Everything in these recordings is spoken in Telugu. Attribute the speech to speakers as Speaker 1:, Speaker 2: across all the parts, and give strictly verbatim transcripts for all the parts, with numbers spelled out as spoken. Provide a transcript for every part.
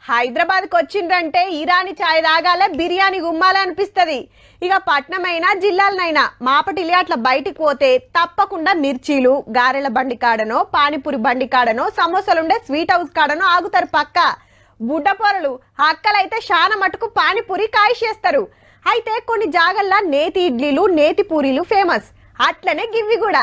Speaker 1: హైదరాబాద్ కి వచ్చిండ్రంటే ఇరానీ చాయ్ తాగాలే, బిర్యానీ గుమ్మాలే అనిపిస్తది. ఇక పట్నమైనా జిల్లాలనైనా మాపటిలి అట్లా బయటికి పోతే తప్పకుండా మిర్చీలు, గారెల బండి కాడనో, పానీపూరి బండి కాడనో, సమోసాలుండే స్వీట్ హౌస్ కాడనో ఆగుతారు పక్క. బుడ్డపొరలు అక్కలైతే శాన మటుకు పానీపూరి కాయిషేస్తారు. అయితే కొన్ని జాగల్లా నేతి ఇడ్లీలు, నేతి పూరీలు ఫేమస్. అట్లనే గివ్వి కూడా.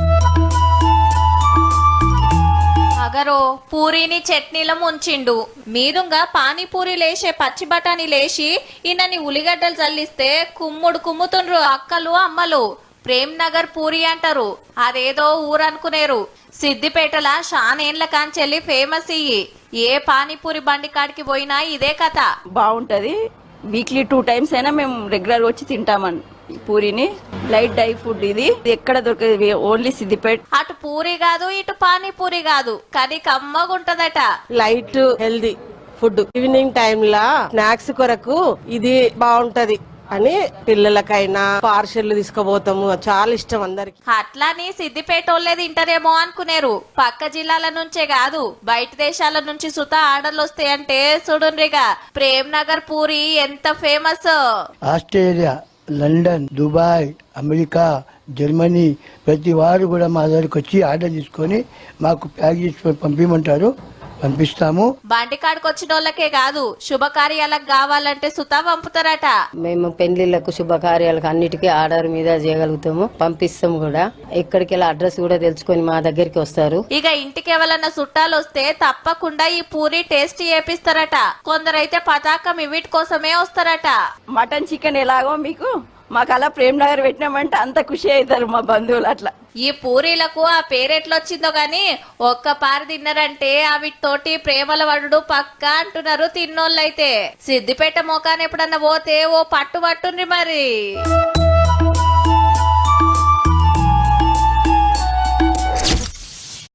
Speaker 2: అగరో పూరీని చట్నీలో ముంచిండు, మీదుగా పానీపూరి లేసే పచ్చి బఠానీ లేచి ఇన్నని ఉల్లిగడ్డలు చల్లిస్తే కుమ్ముడు కుమ్ముతుండ్రు అక్కలు అమ్మలు. ప్రేమ్ నగర్ పూరి అంటారు, అదేదో ఊరనుకునేరు. సిద్దిపేటల షానేండ్ల కాంచెల్లి ఫేమస్ ఇయ్యి. ఏ పానీపూరి బండి కాడికి పోయినా ఇదే కథ.
Speaker 3: బాగుంటది. వీక్లీ టూ టైమ్స్ అయినా మేము రెగ్యులర్ వచ్చి తింటామని పూరిని. లైట్ డై ఫుడ్ ఇది, ఎక్కడ దొరకదు, ఓన్లీ సిద్దిపేట.
Speaker 2: అటు పూరి కాదు, ఇటు పానీపూరి కాదు, కానీ కమ్మగుంటదట.
Speaker 4: Light healthy food. Evening time లా స్నాక్స్ కొరకు ఇది బాగుంటది అని పిల్లలకైనా పార్సెల్ తీసుకుపోతాము, చాలా ఇష్టం అందరికి.
Speaker 2: అట్లాని సిద్దిపేట వాళ్ళే తింటారేమో అనుకునేరు. పక్క జిల్లాల నుంచే కాదు, బయట దేశాల నుంచి సుతా ఆర్డర్లు వస్తాయంటే చూడుండ్రిగా. ప్రేమ్ నగర్ పూరి ఎంత famous.
Speaker 5: Australia, London, Dubai, America, Germany ప్రతి వారు కూడా మా దగ్గరికి వచ్చి ఆర్డర్ తీసుకొని మాకు ప్యాక్ చేసుకొని పంపించమంటారు, పంపిస్తాము.
Speaker 2: బండికాడికి వచ్చిన వాళ్ళకే కాదు, శుభకార్యాలకు కావాలంటే సుతా పంపుతారట.
Speaker 6: మేము పెళ్లిళ్లకు, శుభకార్యాలకు అన్నిటికీ ఆర్డర్ మీద చేయగలుగుతాము, పంపిస్తాము కూడా. ఎక్కడికి వెళ్ళి అడ్రస్ కూడా తెలుసుకొని మా దగ్గరికి వస్తారు.
Speaker 2: ఇక ఇంటికి ఎవరన్నా చుట్టాలు వస్తే తప్పకుండా ఈ పూరి టేస్ట్ చేపిస్తారట. కొందరైతే పతాకం ఇవిటి కోసమే వస్తారట.
Speaker 3: మటన్ చికెన్ ఎలాగో మీకు మాకు అలా ప్రేమ్ నగర్ పెట్టినామంటే అంత ఖుషి అవుతారు మా బంధువులు. అట్లా
Speaker 2: ఈ పూరీలకు ఆ పేరెట్లొచ్చిందో గాని ఒక్క పారి తిన్నారంటే అవితోటి ప్రేమల వడుడు పక్క అంటున్నారు తిన్నోళ్ళైతే. సిద్దిపేట మోకాన్ని ఎప్పుడన్నా పోతే ఓ పట్టు పట్టుండ్రి మరి.